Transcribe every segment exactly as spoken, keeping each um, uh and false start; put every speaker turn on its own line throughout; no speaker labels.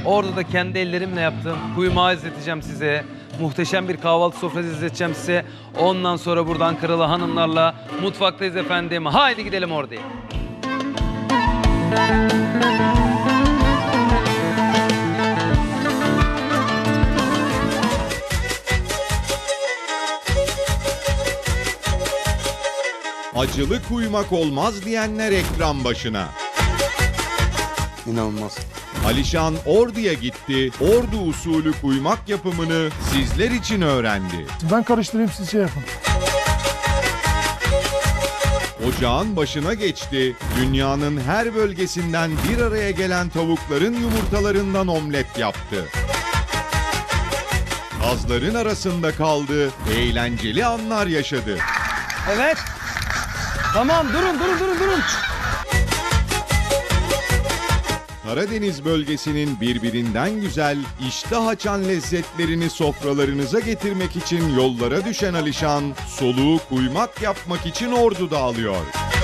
Orada da kendi ellerimle yaptım. Kuymağı izleteceğim size. Muhteşem bir kahvaltı sofrası izleteceğim size. Ondan sonra burada Ankaralı hanımlarla mutfaktayız efendim. Haydi gidelim oraya.
Acılı kuymak olmaz diyenler ekran başına.
İnanılmaz.
Alişan Ordu'ya gitti, Ordu usulü kuymak yapımını sizler için öğrendi.
Ben karıştırayım, siz şey yapın.
Ocağın başına geçti, dünyanın her bölgesinden bir araya gelen tavukların yumurtalarından omlet yaptı. Kazların arasında kaldı, eğlenceli anlar yaşadı.
Evet. Tamam, durun, durun, durun, durun.
Karadeniz bölgesinin birbirinden güzel, iştah açan lezzetlerini sofralarınıza getirmek için yollara düşen Alişan, soluğu kuymak yapmak için Ordu'da alıyor.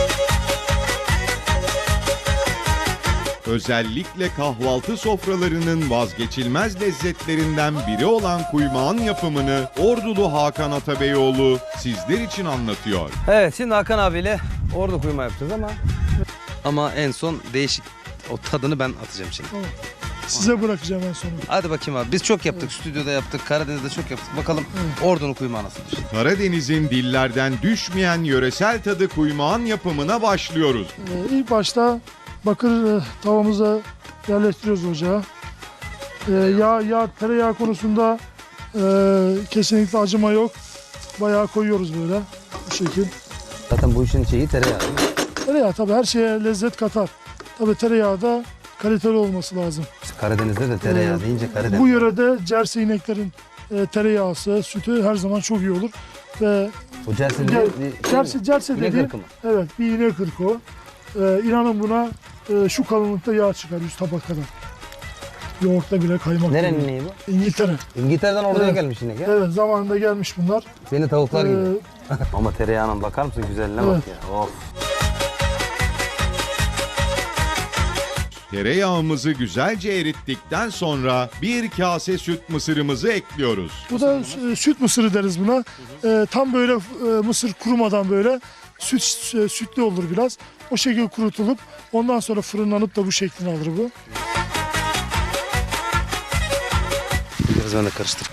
Özellikle kahvaltı sofralarının vazgeçilmez lezzetlerinden biri olan kuymağın yapımını Ordulu Hakan Atabeyoğlu sizler için anlatıyor.
Evet, şimdi Hakan abiyle orada kuyma yapacağız ama ama en son değişik o tadını ben atacağım şimdi.
Tamam. Size bırakacağım en sonu.
Hadi bakayım abi. Biz çok yaptık. Stüdyoda yaptık. Karadeniz'de çok yaptık. Bakalım Ordu'nun kuymağı nasılmış.
Karadeniz'in dillerden düşmeyen yöresel tadı kuymağın yapımına başlıyoruz.
Ee, ilk başta bakır e, tavamıza yerleştiriyoruz ocağa. Ee, yağ, yağ, tereyağı konusunda e, kesinlikle acıma yok. Bayağı koyuyoruz böyle bu şekil.
Zaten bu işin şeyi tereyağı.
Tereyağı tabii her şeye lezzet katar. Tabii tereyağı da kaliteli olması lazım.
Karadeniz'de de tereyağı
Ee,
deyince Karadeniz.
Bu yörede cerse ineklerin e, tereyağısı, sütü her zaman çok iyi olur. Ve
O Cerse'de
Cer-
bir
cerse, cerse
İnek
dediği,
ırkı mı?
evet, bir inek ırkı o. Ee, inanın buna e, şu kalınlıkta yağ çıkar yüz tabak kadar. Yoğurtta bile kaymak.
Nerenin
gibi.
neyi bu?
İngiltere.
İngiltere'den Ordu'ya
Evet.
gelmiş inek ya.
Evet, zamanında gelmiş bunlar.
Seni tavuklar
Ee,
gibi. Ama tereyağına bakar mısın güzelliğine
Evet.
bak ya. Of.
Tereyağımızı güzelce erittikten sonra bir kase süt mısırımızı ekliyoruz.
Bu da e, süt mısırı deriz buna. Ee, tam böyle e, mısır kurumadan böyle süt e, sütlü olur biraz. O şekilde kurutulup ondan sonra fırınlanıp da bu şeklini alır bu.
Biraz ben de karıştır.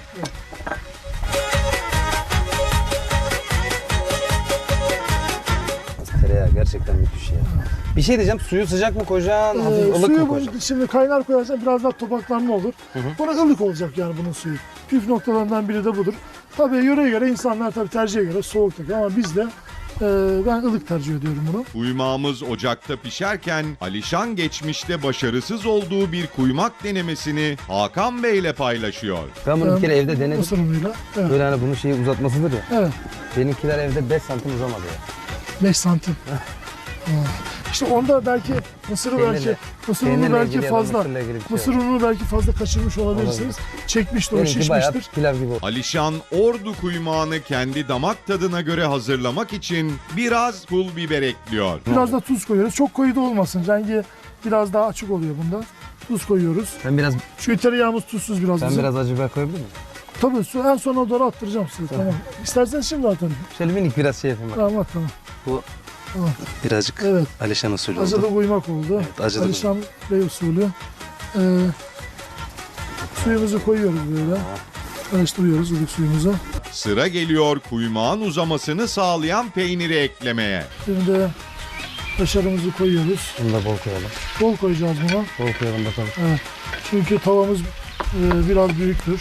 Tereyağı gerçekten müthiş ya. Bir şey diyeceğim, suyu sıcak mı koyacaksın, hafif
Ee,
ılık
suyu
mı
bu-
koyacaksın?
şimdi kaynar koyarsan biraz daha topaklanma olur. Buna ılık olacak yani bunun suyu. Püf noktalarından biri de budur. Tabii yöreye göre insanlar tabii tercihe göre soğuk takıyor ama biz de e, ben ılık tercih ediyorum bunu.
Kuymağımız ocakta pişerken Alişan geçmişte başarısız olduğu bir kuymak denemesini Hakan Bey ile paylaşıyor.
Ben bunu bir kere evde denedim.
Mısır unuyla. Evet.
Böyle hani bunun şeyi uzatmasıdır ya.
Evet.
Benimkiler evde beş santim uzamadı ya.
beş santim. Ha. İşte onda belki mısırı
Peynirle-
belki mısır
peynirle
unu belki
ilgili ya da
fazla
mısırla ilgili bir şey
mısır ununu belki fazla kaçırmış olabilirsiniz. Çekmiştir o,
Benimki bayağı
şişmiştir.
pilav gibi oldu.
Alişan Ordu kuymağını kendi damak tadına göre hazırlamak için biraz pul biber ekliyor.
Biraz da tuz koyuyoruz. Çok koyu da olmasın. Rengi biraz daha açık oluyor bunda. Tuz koyuyoruz.
Ben biraz
Çünkü tereyağımız tuzsuz biraz
ben
bizim.
biraz acı biber koyabilir miyim?
Tabii su en sona doğru attıracağım size. Tamam. İsterseniz şimdi atın.
Şöyle minik biraz şey yapayım bak.
Tamam at tamam.
Bu
Tamam.
birazcık
Evet.
Alişan usulü oldu.
Acılı kuymak oldu.
Evet, acılı
Alişan Bey usulü. Ee, suyumuzu koyuyoruz böyle. Karıştırıyoruz ılık suyumuzu.
Sıra geliyor kuymağın uzamasını sağlayan peyniri eklemeye.
Şimdi kaşarımızı koyuyoruz.
Bunu da bol koyalım.
Bol koyacağız buna.
Bol koyalım bakalım.
Evet. Çünkü tavamız e, biraz büyüktür.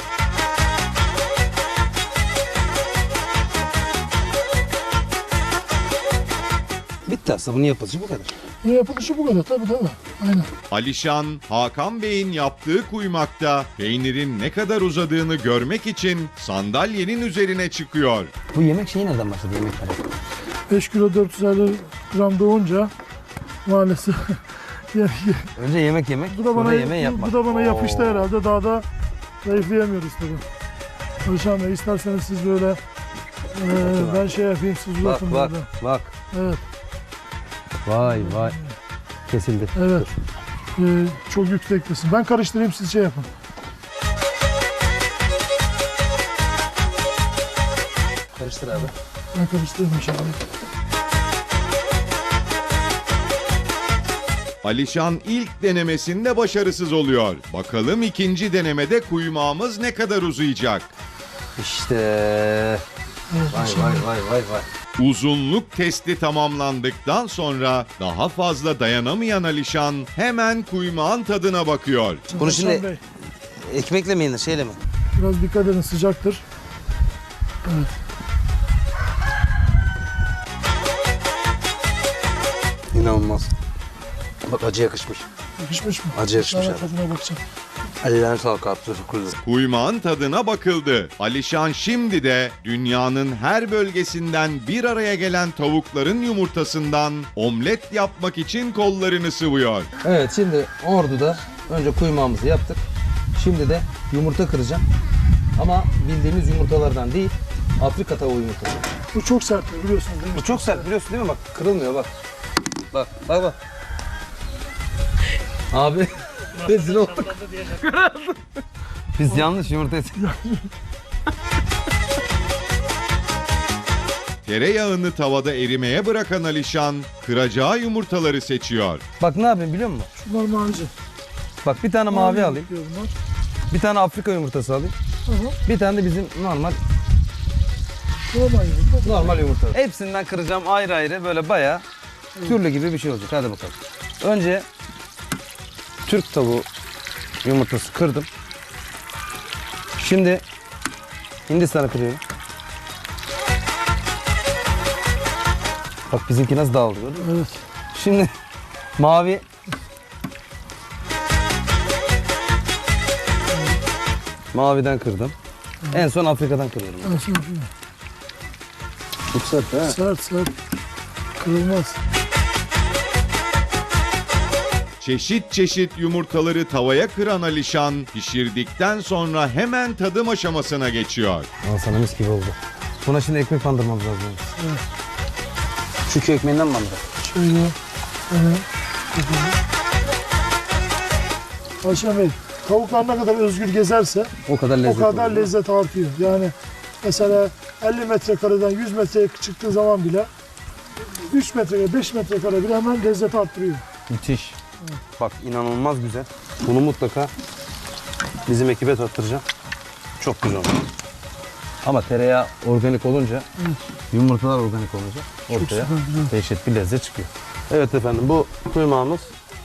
Bitti aslında, bunu yapılışı bu kadar.
Bunun yapılışı bu kadar tabii tabii. Aynen.
Alişan, Hakan Bey'in yaptığı kuymakta peynirin ne kadar uzadığını görmek için sandalyenin üzerine çıkıyor.
Bu yemek şeyi nereden başladı, yemek tarifi?
beş kilo dört yüz elli gram doğunca maalesef yani,
Önce yemek yemek,
bu da
sonra
bana
yemeği
bu,
yapmak.
bu da bana yapıştı
Oo.
herhalde. Daha da zayıflayamıyoruz tabii. Alişan Bey isterseniz siz böyle e, ben şey yapayım siz
Bak
uzatın
bak
böyle.
bak.
Evet.
Vay vay. Kesildi.
Evet.
Dur.
e, çok yüksektesin. Ben karıştırayım, siz şey yapın.
Karıştır abi.
Ben karıştırayım inşallah.
Alişan ilk denemesinde başarısız oluyor. Bakalım ikinci denemede kuymağımız ne kadar uzayacak?
İşte.
Evet,
Vay
inşallah.
vay vay vay vay.
Uzunluk testi tamamlandıktan sonra daha fazla dayanamayan Alişan hemen kuymağın tadına bakıyor.
Bunu
Hasan
şimdi-
Bey,
Ekmekle mi yenir, şeyle mi?
biraz dikkat edin, sıcaktır. Evet.
İnanılmaz. Bak acı yakışmış.
Yakışmış mı?
Acı yakışmış
Ben
abi.
tadına bakacağım.
Ellerine sağlık abi. Teşekkür ederim.
Kuymağın tadına bakıldı. Alişan şimdi de dünyanın her bölgesinden bir araya gelen tavukların yumurtasından omlet yapmak için kollarını sıvıyor.
Evet, şimdi Ordu'da önce kuymağımızı yaptık. Şimdi de yumurta kıracağım. Ama bildiğimiz yumurtalardan değil, Afrika tavuğu yumurtası.
Bu çok sert biliyorsunuz değil mi?
Bu çok sert, biliyorsun değil mi? Bak kırılmıyor bak. Bak bak bak. Abi rezil olduk.
Biz yanlış yumurta
Tereyağını tavada erimeye bırakan Alişan kıracağı yumurtaları seçiyor.
Bak ne yapayım biliyor musun?
Şunlar mavici.
Bak bir tane mavi alayım.
yapıyor bunlar.
Bir tane Afrika yumurtası alayım.
Aha.
Bir tane de bizim normal
Normal yumurta.
normal yumurta.
Hepsinden kıracağım ayrı ayrı böyle bayağı.
Türlü gibi bir şey olacak. Hadi bakalım. Önce Türk tavuğu yumurtası kırdım. Şimdi Hindistan'ı kırıyorum. Bak bizimki nasıl dağıldı gördün mü?
Evet.
Şimdi mavi maviden kırdım. En son Afrika'dan kırıyorum.
Ben sana yapayım.
Çok sert ha.
Sert sert. Kırılmaz.
Çeşit çeşit yumurtaları tavaya kıran Alişan pişirdikten sonra hemen tadım aşamasına geçiyor.
Al sana mis gibi oldu. Buna şimdi ekmek bandırmamız lazım.
Evet.
Çünkü ekmeğinden bandır.
Şöyle. Evet. Ayşe Bey, tavuklar ne kadar özgür gezerse
O kadar
o
lezzet
kadar
olur.
lezzet artıyor. Yani mesela elli metrekareden yüz metreye çıktığı zaman bile üç metrekare, beş metrekare bile hemen lezzet arttırıyor.
Müthiş. Bak inanılmaz güzel. Bunu mutlaka bizim ekibe tattıracağım. Çok güzel oldu. Ama tereyağı organik olunca, yumurtalar organik olunca ortaya
süper, güzel.
dehşet bir lezzet çıkıyor. Evet efendim, bu kuymağımız,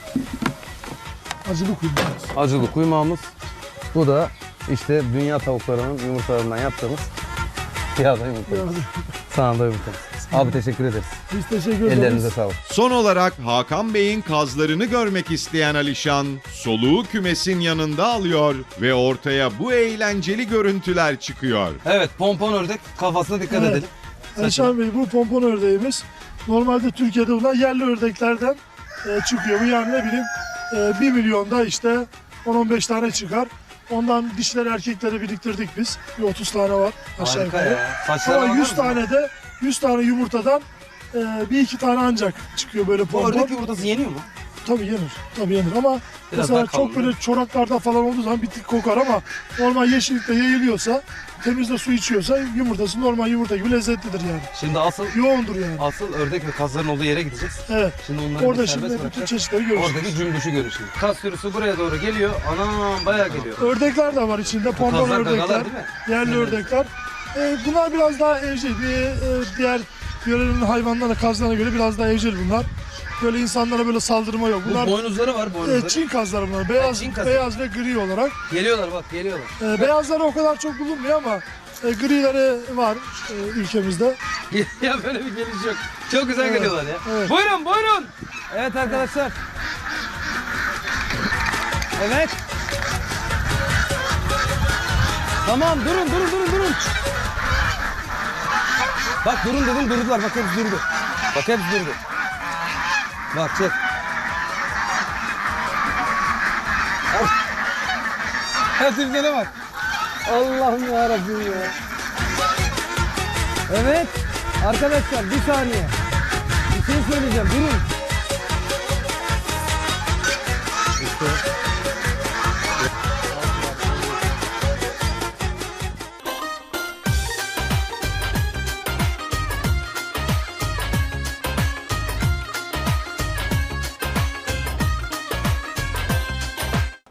Acılı kuymağımız.
acılı kuymağımız. Bu da işte dünya tavuklarının yumurtalarından yaptığımız yağda yumurtamız. Sağında yumurtamız. Abi teşekkür ederiz.
Biz teşekkür ederiz.
Ellerinize sağlık.
Son olarak Hakan Bey'in kazlarını görmek isteyen Alişan soluğu kümesin yanında alıyor ve ortaya bu eğlenceli görüntüler çıkıyor.
Evet pompon ördek kafasına dikkat
Evet.
edelim.
Ayşe Bey, bu pompon ördeğimiz normalde Türkiye'de bulunan yerli ördeklerden e, çıkıyor. Bu yani ne bileyim e, bir milyonda işte on on beş tane çıkar. Ondan dişleri erkekleri biriktirdik biz. Bir otuz tane var aşağı
Harika
yukarı.
ya. Saçlara
Ama
bakar
yüz
mısın?
tane de yüz tane yumurtadan e, bir iki tane ancak çıkıyor böyle
Bu
pompon.
ördek yumurtası yeniyor mu?
Tabii yenir. Tabii yenir ama
Biraz
mesela
daha
çok
kalın.
böyle çoraklarda falan olduğu zaman bir tık kokar ama normal yeşillikte yayılıyorsa, temizde su içiyorsa yumurtası normal yumurta gibi lezzetlidir yani.
Şimdi asıl
Yoğundur yani.
asıl ördek ve kazların olduğu yere gideceğiz.
Evet.
Şimdi onları
Orada
bir
şimdi
serbest
bütün
bırakacağız.
çeşitleri görürsünüz.
Oradaki cümbüşü görün şimdi. Kaz sürüsü buraya doğru geliyor. Anam bayağı geliyor.
Ördekler de var içinde. Pompon
kazlar
ördekler,
gagalar değil mi?
yerli ördekler. Ee, bunlar biraz daha evcil. Bir, e, diğer yörenin hayvanlarına, kazlarına göre biraz daha evcil bunlar. Böyle insanlara böyle saldırma yok.
Bu
Bunlar
boynuzları var boynuzları.
e, Çin kazları bunlar. Beyaz,
Çin kazı.
beyaz ve gri olarak.
Geliyorlar bak geliyorlar.
E, beyazları o kadar çok bulunmuyor ama e, grileri var e, ülkemizde.
Ya böyle bir geliş yok. Çok güzel
Evet,
geliyorlar ya.
evet.
Buyurun buyurun. Evet arkadaşlar. Evet. Tamam durun durun durun durun. Bak durun dedim durdular. Bak hepsi durdu. Bak hepsi durdu. Bak çek. Hepsine bak.
Allah'ım yarabbim ya.
Evet. Arkadaşlar bir saniye. Bir şey söyleyeceğim. Durun.